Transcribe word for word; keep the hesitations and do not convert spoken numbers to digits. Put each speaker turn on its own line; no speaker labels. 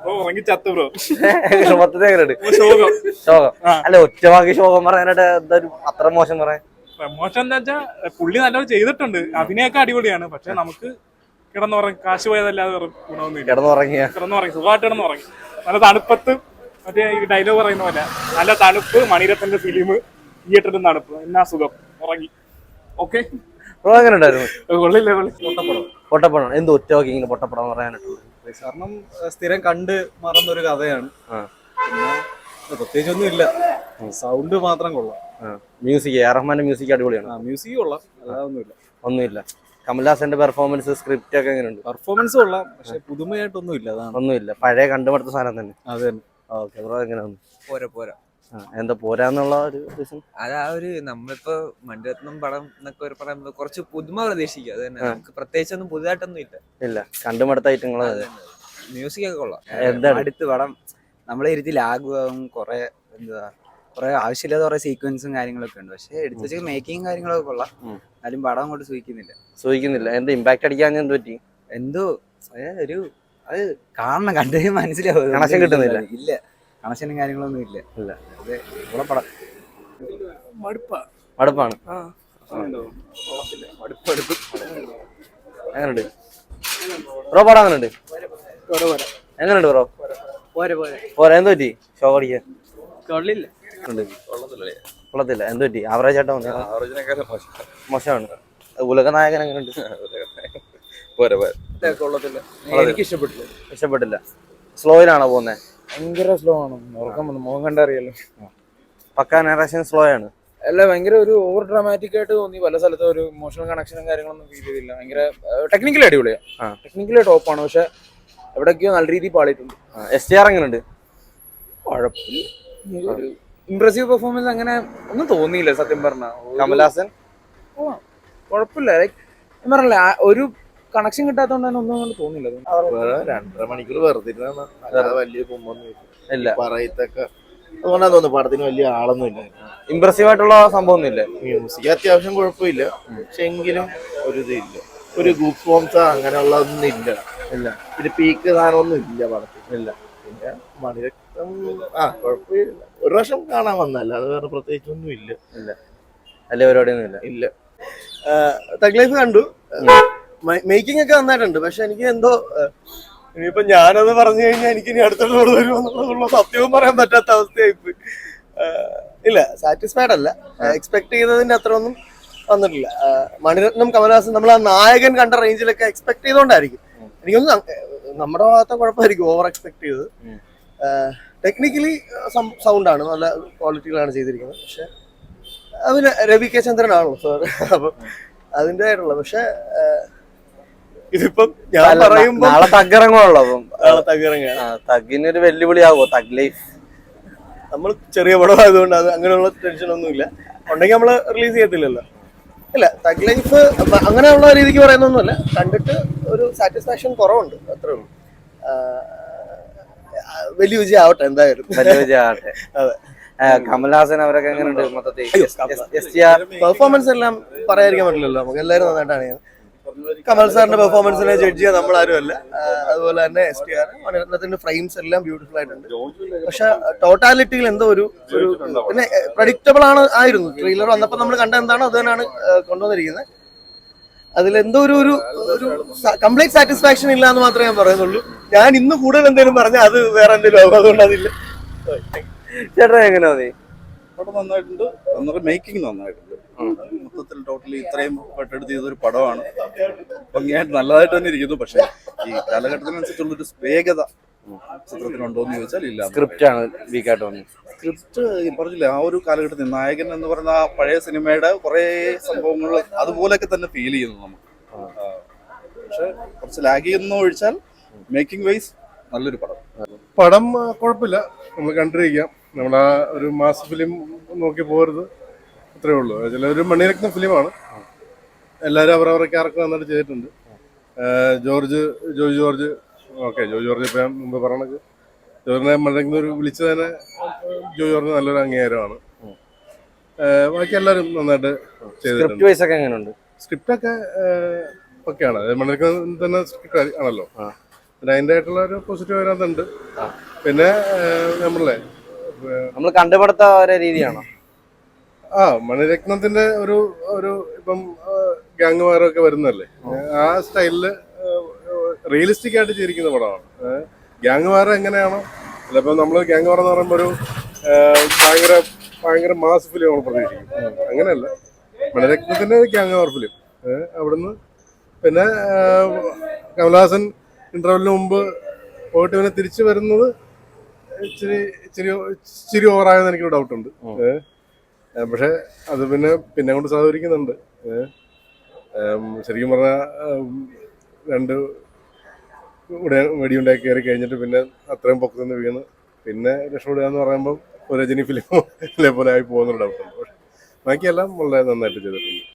മൊത്തത്തിൽ എങ്ങനെയുണ്ട് ശോകം? അല്ല, ഒറ്റവാക്കി ശോകം പറയാനായിട്ട് എന്തായാലും അത്ര മോശം പറയാൻ.
മോശം എന്താ വെച്ചാ പുള്ളി നല്ലോണം ചെയ്തിട്ടുണ്ട്, അഭിനയൊക്കെ അടിപൊളിയാണ്. പക്ഷെ നമുക്ക് കിടന്നുറങ്ങി കാശ് പോയതല്ലാതെ ഗുണമൊന്നുമില്ല.
കിടന്നുറങ്ങിയ
കിടന്നുറങ്ങി സുഖമായിട്ട് കിടന്നുറങ്ങി. നല്ല തണുപ്പത്ത് മറ്റേ ഈ ഡയലോഗ് പറയുന്ന പോലെ നല്ല തണുപ്പ്, മണിരത്നന്റെ ഫിലിം, തിയേറ്ററിൽ തണുപ്പ്, എന്നാ സുഖം, ഉറങ്ങി. ഓക്കെ,
എങ്ങനെ ഉണ്ടായിരുന്നു?
കൊള്ളില്ല.
പൊട്ടപ്പടം എന്ത് ഒറ്റവാക്കി ഇങ്ങനെ പൊട്ടപ്പടം പറയാനായിട്ടുള്ളത്?
കാരണം സ്ഥിരം കണ്ട് മറന്നൊരു കഥയാണ്. പിന്നെ പ്രത്യേകിച്ചൊന്നും ഇല്ല, സൗണ്ട് മാത്രം കൊള്ളാം.
മ്യൂസിക്, എ ആർ റഹ്മാന്റെ മ്യൂസിക് അടിപൊളിയാണ്.
മ്യൂസിക് കൊള്ളാം, അല്ലാതൊന്നുമില്ല.
ഒന്നുമില്ല. കമൽഹാസന്റെ പെർഫോമൻസ്, സ്ക്രിപ്റ്റ് ഒക്കെ എങ്ങനെയുണ്ട്?
പെർഫോമൻസ് കൊള്ളാം, പക്ഷെ പുതുമയായിട്ടൊന്നും ഇല്ല. അതാണ്
ഒന്നുമില്ല, പഴയ കണ്ടുമടുത്ത സാധനം തന്നെ.
അത് തന്നെ.
ഓക്കെ ബ്രോ, എങ്ങനെയാണ്?
പോരാ പോരാ
എന്താ പോരാന്നുള്ള ഒരു റീസൺ?
അത് ആ ഒരു നമ്മളിപ്പോ മണിരത്നം പടം എന്നൊക്കെ ഒരു പറയുമ്പോ കുറച്ച് പുതുമ പ്രതീക്ഷിക്കുക. അത് തന്നെ, നമുക്ക് പ്രത്യേകിച്ചൊന്നും പുതുതായിട്ടൊന്നും ഇല്ല.
ഇല്ല, കണ്ടുമടുത്ത ഐറ്റങ്ങൾ.
മ്യൂസിക് ഒക്കെ കൊള്ളാം.
എന്താണ്
അടുത്ത് പടം നമ്മളെ ഇരുത്തി ലാഗും കുറെ എന്താ കുറെ ആവശ്യമില്ലാത്ത കുറെ സീക്വൻസും കാര്യങ്ങളൊക്കെ ഉണ്ട്. പക്ഷെ എടുത്തു വെച്ച മേക്കിങ് കാര്യങ്ങളൊക്കെ കൊള്ളാം. എന്നാലും പടം അങ്ങോട്ട് സൂചിക്കുന്നില്ല
സൂചിക്കുന്നില്ല എന്ത് ഇമ്പാക്ട് അടിക്കാൻ എന്ത് പറ്റി?
എന്തോ ഒരു അത് കാണണം, കണ്ടു മനസ്സിലാവും.
കണക്ഷൻ കിട്ടുന്നില്ല.
ഇല്ല, കണക്ഷനും കാര്യങ്ങളൊന്നും ഇല്ല. ഇല്ല അതെ, ഇവിടെ പടം
മടുപ്പാണ്. എങ്ങനെയുണ്ട് ബ്രോ പടം? എങ്ങനെയുണ്ട്? എങ്ങനെയുണ്ട് ബ്രോ? പോരാ, എന്ത് പറ്റി ഷോ അടിക്കാൻ? കൊള്ളത്തില്ല. എന്ത് പറ്റി? ആവറേജ് ആയിട്ടാ മോശമാണ്. ഉലക നായകൻ എങ്ങനെയുണ്ട്?
എനിക്ക് ഇഷ്ടപ്പെട്ടില്ല.
ഇഷ്ടപ്പെട്ടില്ല. സ്ലോയിലാണോ പോകുന്നത്?
ഭയങ്കര സ്ലോ ആണ്. ഉറക്കം വന്നു, മുഖം കണ്ടറിയല്ലോ.
പക്കാ നറേഷൻ സ്ലോ ആണ്.
അല്ല, ഭയങ്കര ഒരു ഓവർ ഡ്രാമാറ്റിക് ആയിട്ട് തോന്നി. പല സ്ഥലത്തും ഒരു ഇമോഷണൽ കണക്ഷനും കാര്യങ്ങളൊന്നും ഫീൽ ചെയ്തില്ല. ഭയങ്കര ടെക്നിക്കലി അടിപൊളിയാണ്, ടെക്നിക്കലി ടോപ്പാണ്. പക്ഷെ എവിടെയൊക്കെയോ നല്ല രീതിയിൽ പാളിയിട്ടുണ്ട്.
എസ് ടി ആർ എങ്ങനെയുണ്ട്?
കുഴപ്പമില്ല, ഇംപ്രസീവ് പെർഫോമൻസ് അങ്ങനെ ഒന്നും തോന്നിയില്ല സത്യം പറഞ്ഞ.
കമൽഹാസൻ
കുഴപ്പമില്ല, ലൈക്ക് ഞാൻ പറഞ്ഞില്ല, ഒരു കണക്ഷൻ കിട്ടാത്തതുകൊണ്ട് തന്നെ ഒന്നും കൊണ്ട് തോന്നില്ല.
രണ്ടര മണിക്കൂർ വെറുതെ വലിയ കുമ്പൊന്നും
ഇല്ല
പറയത്തൊക്കെ. അതുകൊണ്ടാ തോന്നുന്നു പടത്തിന് വലിയ ആളൊന്നും ഇല്ല.
ഇംപ്രസീവ് ആയിട്ടുള്ള സംഭവം ഒന്നും ഇല്ല.
മ്യൂസിക് അത്യാവശ്യം കുഴപ്പമില്ല, പക്ഷെ എങ്കിലും ഒരു ഇതില്ല, ഒരു ഗൂപ്പ് ബോംസ് അങ്ങനെയുള്ളതൊന്നും ഇല്ല. ഇല്ല പിന്നെ പീക്ക് സാധനമൊന്നും ഇല്ല പടത്തിൽ. ഇല്ല. പിന്നെ മണിരത്നം ആ കുഴപ്പമില്ല, ഒരു പ്രാവശ്യം കാണാൻ വന്നല്ല, അത് വേറെ പ്രത്യേകിച്ചൊന്നും ഇല്ല.
ഇല്ല, വലിയ പരിപാടിയൊന്നും ഇല്ല.
ഇല്ല. തഗ് ലൈഫ് കണ്ടു, മേക്കിംഗ് ഒക്കെ നന്നായിട്ടുണ്ട്. പക്ഷെ എനിക്ക് എന്തോ ഇനിയിപ്പോ ഞാനത് പറഞ്ഞു കഴിഞ്ഞാൽ എനിക്ക് ഇനി അടുത്തുള്ള വരുമെന്നുള്ള സത്യവും പറയാൻ പറ്റാത്ത അവസ്ഥയായിപ്പോയി. ഇല്ല, സാറ്റിസ്ഫൈഡ് അല്ല. എക്സ്പെക്ട് ചെയ്തതിന്റെ അത്ര ഒന്നും വന്നിട്ടില്ല. മണിരത്നം, കമൽഹാസൻ നമ്മൾ ആ നായകൻ കണ്ട റേഞ്ചിലൊക്കെ എക്സ്പെക്ട് ചെയ്തോണ്ടായിരിക്കും. എനിക്കൊന്നും നമ്മുടെ ഭാഗത്തെ കുഴപ്പമായിരിക്കും ഓവർ എക്സ്പെക്ട് ചെയ്തത്. ടെക്നിക്കലി സൗണ്ടാണ്, നല്ല ക്വാളിറ്റികളാണ് ചെയ്തിരിക്കുന്നത്. പക്ഷെ അതിന് രവി കെ ചന്ദ്രനാണല്ലോ സാർ, അപ്പൊ അതിൻ്റെ ആയിട്ടുള്ള. പക്ഷെ ഇതിപ്പം ഞാൻ പറയുമ്പോ
നാളെ തഗ്ഗിറങ്ങുള്ളൂ.
നാളെ തഗ്ഗിറങ്ങാണ്.
തഗ്ഗിനൊരു വെല്ലുവിളിയാവോ തഗ് ലൈഫ്?
നമ്മൾ ചെറിയ പടം ആയതുകൊണ്ട് അത് അങ്ങനെയുള്ള ടെൻഷൻ ഒന്നും ഇല്ല. ഉണ്ടെങ്കിൽ നമ്മള് റിലീസ് ചെയ്യത്തില്ലല്ലോ. ഇല്ല, തഗ് ലൈഫ് അങ്ങനെയുള്ള രീതിക്ക് പറയുന്നൊന്നുമല്ല, കണ്ടിട്ട് ഒരു സാറ്റിസ്ഫാക്ഷൻ കുറവുണ്ട്, അത്രേ ഉള്ളൂ. വലിയ വിജയം ആവട്ടെ, എന്തായാലും
വലിയ വിജയം ആവട്ടെ.
അതെ.
കമൽഹാസൻ അവരൊക്കെ എങ്ങനെയുണ്ട് മൊത്തത്തിൽ?
പെർഫോമൻസ് എല്ലാം പറയാതിരിക്കാൻ പറ്റില്ലല്ലോ, നമുക്ക് എല്ലാവരും നന്നായിട്ടാണ്. കമൽ സാറിന്റെ പെർഫോമൻസിനെ ജഡ്ജ് ചെയ്യാൻ നമ്മൾ ആരും അല്ല. അതുപോലെ തന്നെ എസ് ടി ആർ മണിരത്നത്തിന്റെ ഫ്രെയിംസ് എല്ലാം ബ്യൂട്ടിഫുൾ ആയിട്ടുണ്ട്. പക്ഷെ ടോട്ടാലിറ്റിയിൽ എന്തോ ഒരു ഒരു പിന്നെ പ്രഡിക്റ്റബിൾ ആണ് ആയിരുന്നു. ട്രെയിലർ വന്നപ്പോൾ നമ്മൾ കണ്ട എന്താണോ അത് തന്നെയാണ് കൊണ്ടുവന്നിരിക്കുന്നത്. അതിലെന്തോ ഒരു ഒരു കംപ്ലീറ്റ് സാറ്റിസ്ഫാക്ഷൻ ഇല്ല എന്ന് മാത്രമേ ഞാൻ പറയുന്നുള്ളൂ. ഞാൻ ഇന്ന് കൂടുതൽ എന്തെങ്കിലും പറഞ്ഞാൽ അത് വേറെ എന്തെങ്കിലും ആകും, അതുകൊണ്ട് അതില്ല.
ചേട്ടാ എങ്ങനെ തോന്നി?
പടം നന്നായിട്ടുണ്ട്, എന്നിട്ട് മേക്കിംഗ് നന്നായിട്ടുണ്ട്. മൊത്തത്തിൽ ടോട്ടലി ഇത്രയും പെട്ടെടുത്ത് ചെയ്തൊരു പടമാണ്. ഭംഗിയായിട്ട് നല്ലതായിട്ട് തന്നെ ഇരിക്കുന്നു. പക്ഷെ ഈ കാലഘട്ടത്തിനനുസരിച്ചുള്ളൊരു വേഗത ചിത്രത്തിനുണ്ടോ എന്ന് ചോദിച്ചാൽ ഇല്ല.
സ്ക്രിപ്റ്റ് ആണ് വീക്കായിട്ട് തോന്നി.
സ്ക്രിപ്റ്റ് പറഞ്ഞില്ല, ആ ഒരു കാലഘട്ടത്തിൽ നായകൻ എന്ന് പറയുന്ന ആ പഴയ സിനിമയുടെ കുറെ സംഭവങ്ങൾ അതുപോലെയൊക്കെ തന്നെ ഫീൽ ചെയ്യുന്നു നമുക്ക്. പക്ഷെ കുറച്ച് ലാഗ് ചെയ്യുന്ന ഒഴിച്ചാൽ മേക്കിംഗ് വൈസ് നല്ലൊരു പടം.
പടം കുഴപ്പമില്ല, നമ്മൾ കണ്ടിരിക്കാം. നമ്മൾ ആ ഒരു മാസ് ഫിലിം നോക്കി പോകരുത്, അത്രേ ഉള്ളൂ. ചിലൊരു മണിരത്നം ഫിലിമാണ്. എല്ലാവരും അവരവരുടെ ക്യാരക്ടർ നന്നായിട്ട് ചെയ്തിട്ടുണ്ട്. ജോർജ് ജോയ് ജോർജ് ഓക്കെ ജോയ് ജോർജ് ഇപ്പം ഞാൻ മുമ്പ് പറഞ്ഞത് ജോർജിനെ മണിരത്നം ഒരു വിളിച്ചു തന്നെ ജോയ് ജോർജ് നല്ലൊരു അംഗീകാരമാണ്. ബാക്കി എല്ലാവരും നന്നായിട്ട് ചെയ്തിട്ടുണ്ട്. സ്ക്രിപ്റ്റൊക്കെ ഒക്കെയാണ്, മണിരത്നം തന്നെ സ്ക്രിപ്റ്റ് ആണല്ലോ. പിന്നെ അതിൻ്റെ ആയിട്ടുള്ള ഒരു പോസിറ്റീവ് അതിനകത്തുണ്ട്. പിന്നെ നമ്മളെ
നമ്മൾ കണ്ടുപിടുത്ത ഓരോ രീതിയാണോ?
ആ മണിരത്നത്തിന്റെ ഒരു ഒരു ഇപ്പം ഗ്യാങ് വാറൊക്കെ വരുന്നല്ലേ, ആ സ്റ്റൈലില് റിയലിസ്റ്റിക് ആയിട്ട് ചെയ്തിരിക്കുന്ന പടമാണ്. ഗ്യാങ് വാർ എങ്ങനെയാണോ, ചിലപ്പോൾ നമ്മൾ ഗ്യാങ് വാർ എന്ന് പറയുമ്പോൾ ഒരു ഭയങ്കര ഭയങ്കര മാസ് ഫിലിം നമ്മൾ പ്രതീക്ഷിക്കും. അങ്ങനെയല്ല, മണിരത്നത്തിന്റെ ഗ്യാങ് വാർ ഫിലിം. അവിടുന്ന് പിന്നെ കമലഹാസൻ ഇന്റർവെല്ലിന് മുമ്പ് പോയിട്ട് പിന്നെ തിരിച്ചു വരുന്നത് ഇച്ചിരി ഇച്ചിരി ഇച്ചിരി ഓവറായെന്ന് എനിക്കൊരു ഡൗട്ടുണ്ട്. പക്ഷെ അത് പിന്നെ പിന്നെ കൊണ്ട് സഹകരിക്കുന്നുണ്ട്. ശരിക്കും പറഞ്ഞാൽ രണ്ട് ഇവിടെ വെടിയുണ്ടാക്കി കയറി കഴിഞ്ഞിട്ട് പിന്നെ അത്രയും പൊക്കത്തുനിന്ന് വീണ് പിന്നെ രക്ഷപ്പെടുക എന്ന് പറയുമ്പോൾ ഒരു രജനി ഫിലിം പോലെ ആയി പോകുന്നൊരു ഡൗട്ടുണ്ട്. പക്ഷെ ബാക്കിയെല്ലാം വളരെ നന്നായിട്ട് ചെയ്തിട്ടുണ്ട്.